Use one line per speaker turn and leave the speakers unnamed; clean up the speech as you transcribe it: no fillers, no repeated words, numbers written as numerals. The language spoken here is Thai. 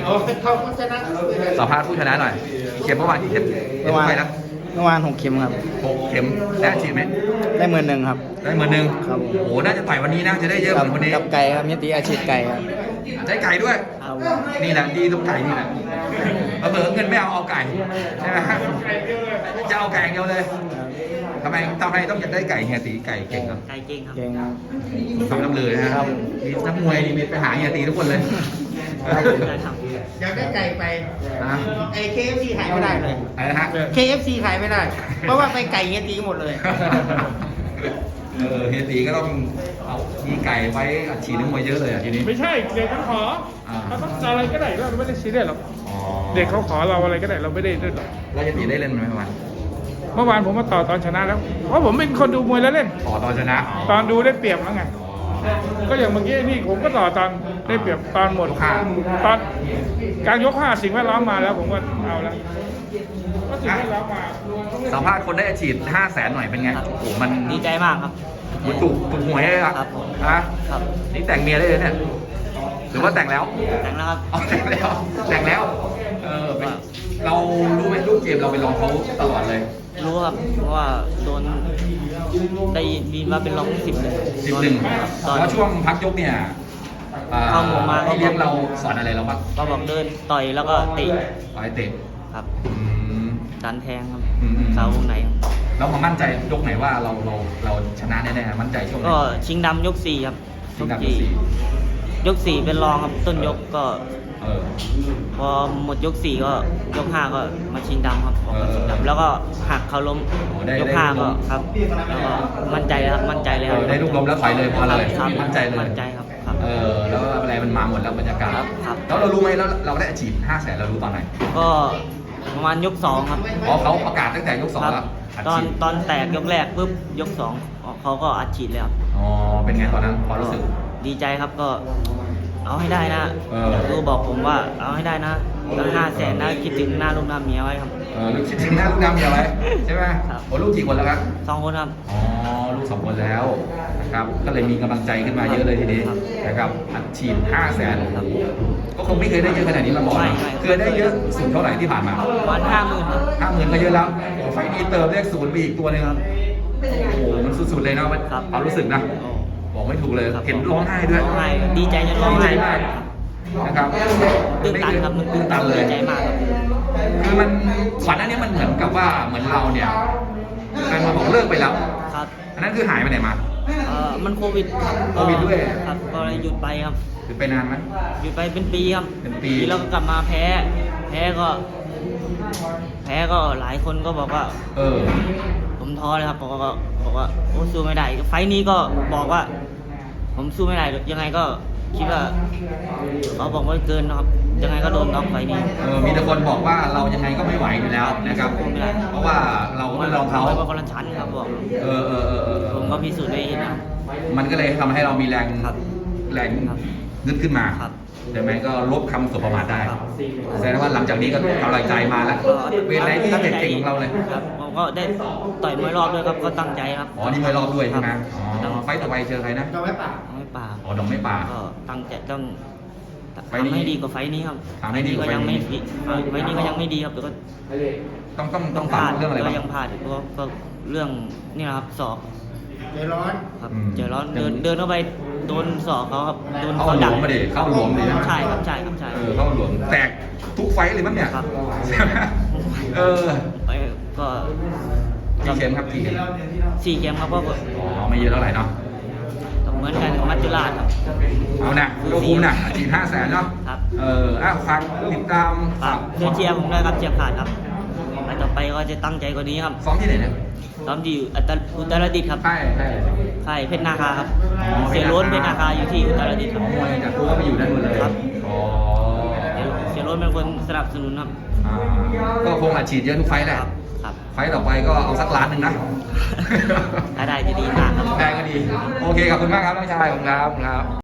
เขาชนะสัมภาษณ์ผู้ชนะหน่อยเข็มเมื่อวานกี่เข็มเมื่อวานไปนะ
เมื่อวาน6 เข็มครับ
6 เข็มได้ฉีดไหม
ได้11,000ครับ
ได้11,000
ครับ
โอ้น่าจะต่อยวันนี้นะจะได้เยอะเหมือนคนนี้
กับไก่ครับเมียตีอาชีพไก่ครับ
ได้ไก่ด้วย
ครับ
นี่แหละดีตรงไก่นี่แหละเบิกเงินไม่เอาไก่ใช่ไหมจะเอาไก่อย่างเดียวเลยทำไมต้องอยากได้ไก่เฮียตีไก่เก่งครับ
ไก่เก่งครับเก่งครับ
ฟังน้ำเลยนะครับมีนักมวยมีไปหาเฮียตีทุกคนเลย
อยากได้ไก่ไป
นะ
ไอ้ KFC ขายไม่ได้เลย
อะไรนะฮะ
KFC ขายไม่ได้ เพราะว่าไปไก่เฮียตีหมดเลย
เฮียตีก็ต้องเอามีไก่ไว้อัดฉีดนักมวยเยอะเลยอ่ะทีนี้
ไม่ใช่เด็กเขาขอเราต้องอะไรก็ได้เราไม่ได้ซีเรียสหรอก
อ๋อ
เด็กเขาขอเราอะไรก็ได้เราไม่ได้ด้วยหรอก
แล้วเฮียตีได้เล่นไหมเมื่อวาน
เมื่อวานผมมาต่อตอนชนะแล้ว เพราะผมเป็นคนดูมวยแล้วเล่น
ขอตอนชนะ
ตอนดูได้เปรียบแล้วไง ก็อย่างเมื่อกี้นี่ผมก็ต่อตอนได้เปรียบตอนหมดตอนการยก5สิ่งแวดล้อมมาแล้วผมก็เอาแล้วก็สิ่งแวดล้อมมา
สัมภาษณ์คนได้อัดฉีด500,000หน่อยเป็นไงโอ้โหมัน
ดีใจมากครับ
มันถูกหวยเลยอ่ะ
ครับ
ฮะ
ครับ
นี่แต่งเมียได้เลยเนี่ยหรือว่าแต่งแล้ว
แต่งแล้วครับ
เอาแต่งแล้วเรารู้ไหมลูกเกมเราไปลองเขาตลอดเลย
รู้ครับเพราะว่าโดนได้ยินว่าเป็นรอง10 เลย
11
ตอน
แล้วช่วงพักยกเนี่ย
เข้าหมู่มา
ที่เลี้ยงเราสอนอะไรเราบ้าง
ก็บอกเดินต่อยแล้วก็เตะ
ต่อยเตะ
ครับ
อืม
ดันแทงครับ
อืม
เสาวงไหนครับ
แล้วมามั่นใจยกไหนว่าเราชนะแน่ๆมั่นใจช่วงไหน
ก็ชิงดำยก 4 ครับ
ชิงดำยกสี่
ยก 4 เป็นรองครับต้นยกก็
เออ
พอหมดยก 4 ก็ยก 5 ก็มาชิงดำครับออกมาชิง
เออ
ดำแล้วก็หักเขาล้ม
โอ้ได้
ยก
ได้
5 ก็ครับแล้วก็มั่นใจแล้วครับมั่นใจเลยครับ
ได้ลูกล้มแล้วถอยเลยพอเลย
ครับ
มั่นใจเลย
มั่นใจครับครับ
แล้วอะไรมันมาหมดแล้วบรรยากาศ
ครับ
แล้วเรารู้ไหมแล้วเราได้อาชีพ500,000เรารู้ตอนไหน
ก็ประมาณยก 2 ครับ
อ๋อเขาประกาศตั้งแต่ยก 2
ครับ
แล้วอัด
ตอน
ฉีด
ตอนแตกยกแรกปุ๊บยก 2เขาก็อัดฉีดเลยครับ
อ๋อเป็นไงตอนนั้นพอรู้สึก
ดีใจครับก็เอาให้ได้นะ ครูบอกผมว่าเอาให้ได้นะตั้ง500,000นะคิดถึงหน้าลูกหน้าเมียไว้ครับ
ลูกชิ้นทิ้งหน้าลูกน้ำอย่าไว้ใช่ไหม
ครับ
โอ้ลูกกี่คนแล้วครับ
2 คนครับ
อ๋อลูก2 คนแล้วนะครับก็เลยมีกำลังใจขึ้นมาเยอะเลยทีนี้
ครับ
นะครับอัดฉีด500,000
ครับ
ก็คงไม่เคยได้เยอะขนาดนี้มาก่อน
ไม่
เคยได้เยอะสุดเท่าไหร่ที่ผ่านมา
ประมาณ50,000ครับ
50,000ก็เยอะแล้วโอ้ไฟล์นี้เติมเลข0ไปอีกตัวหนึงโอ้โหมันสุดๆเลยนะ
ครับ
ความรู้สึกนะ
โอ้
บอกไม่ถูกเลย
ครับ
เห็นร้องไห้ด้วย
ร้องไห้ดีใจจนร้องไห้
ดีใจมากนะครับ
ตื้นตันครับ
ตื้นตันเลย
ดีใจมากครับ
คือมันก่อนหน้านี้มันเหมือนกับว่าเหมือนเราเนี่ยแฟนมาบอกเลิกไปแล้ว
ครับ
อันนั้นคือหายไปไหนมา
มันโควิดครับ
โควิดด้วย
ครับก็เลยหยุดไปครับ
หรือไปนานไหม
หยุดไปเป็นปีครับ
เป็นปี
แล้วก็กลับมาแพ้ก็หลายคนก็บอกว่า
เออ
ผมท้อเลยครับบอกว่าโอ้สู้ไม่ได้ไฟล์นี้ก็บอกว่า ผมสู้ไม่ได้ยังไงก็คิดว่าเขาบอกว่าเกินนะครับยังไงก็โดนน็อกไฟล์นี้
มีแต่คนบอกว่าเรายังไงก็ไม่ไหวอยู่แล้วนะครับ
ไม่ได้
เพราะว่าเราก็ไม่ลองเขา
เพราะว่าคนละชั้นครับบอก ผมก็พิสูจน์ได้เห็นนะครับ
มันก็เลยทำให้เรามีแรง
ครับ
แรง
ครับ
นึกขึ้นมา
ครับ
ใช่ไหมก็ลบคำสบประมาทได้
ครับ
แสดงว่าหลังจากนี้ก็กำลังใจมาแล้วเวทไหนที่เก่งๆของเราเลย
ครับผมก็ได้ต่อยมวยรอบด้วยครับก็ตั้งใจครับ
อ๋อนี่มวยรอบด้วยใช่ไหม
ครับ
อ๋อไฟต์ต่อไปเจอใครนะ
จะไว้ปาก
ไม่ป่า
อ๋อดองไม่ป่า
ก็ตั้งใจต้อง
ไฟล์นี้
ทำให้ดีกว่าไฟล์นี้ครับ
ทำให้ดีกว่าไฟล์นี้
ก็ยังไม่ดีไฟล์นี้ก็ยังไม่ดีครับแต่ก็
ต้องปรับเรื่องอะไร
ก็
บ้าง
ยังพลาดอยู่ก็เรื่องนี่แหละครับศอก
ใจร้อน
ครับ
อืม
เจอร้อนเดินเข้าไปโดนศอกเขาครับโดน
เข้า
เขา
หล
ดั
ว
ก
มมาดิเข้าหลวมดินะ
ใช่ครับใช่ครับใช่
เข้าหลวมแตกทุกไฟต์เลยมั้งเนี่ย
ครับ
ใช่ไหม
ไปก็
กี่เข็มครับกี่เข็ม
4 เกมครับก็
อ๋อไม่เยอะเท่าไหร่เนาะ
เหมือนกันกับมัจจุราชครับ
เอานะก็คุ้มนะฉีด500,000เนาะ
ครับ
ฝากติดตาม
ฝากเชียร์ผมด้วยครับเชียร์ขาดครับไปต่อไปก็จะตั้งใจกว่านี้ครับ
ซ้อมที่ไหนเนี่ย
ซ้อมที่อุตรดิตถ์ครับ
ใช่
ค่ายเพชรนาคาครับ
อ๋อ
เสียโล้นเพชรนาคาอยู่ที่อุตรดิตถ์ครับ
มวยจากตัวก็ไปอยู่ด้านบนเลย
ครับ
อ๋อ
เสียโล้นเป็นคนสนับสนุนครับ
ก็คงอัดฉีดเยอะทุกไฟต์แหละ
ครับ
ไฟต์ต่อไปก็เอาสักล้านหนึ่งนะ
ถ้าได้จะดีมากครับ
ได้ก็ดี โอเคขอบคุณมากครับน้องชายผมครับ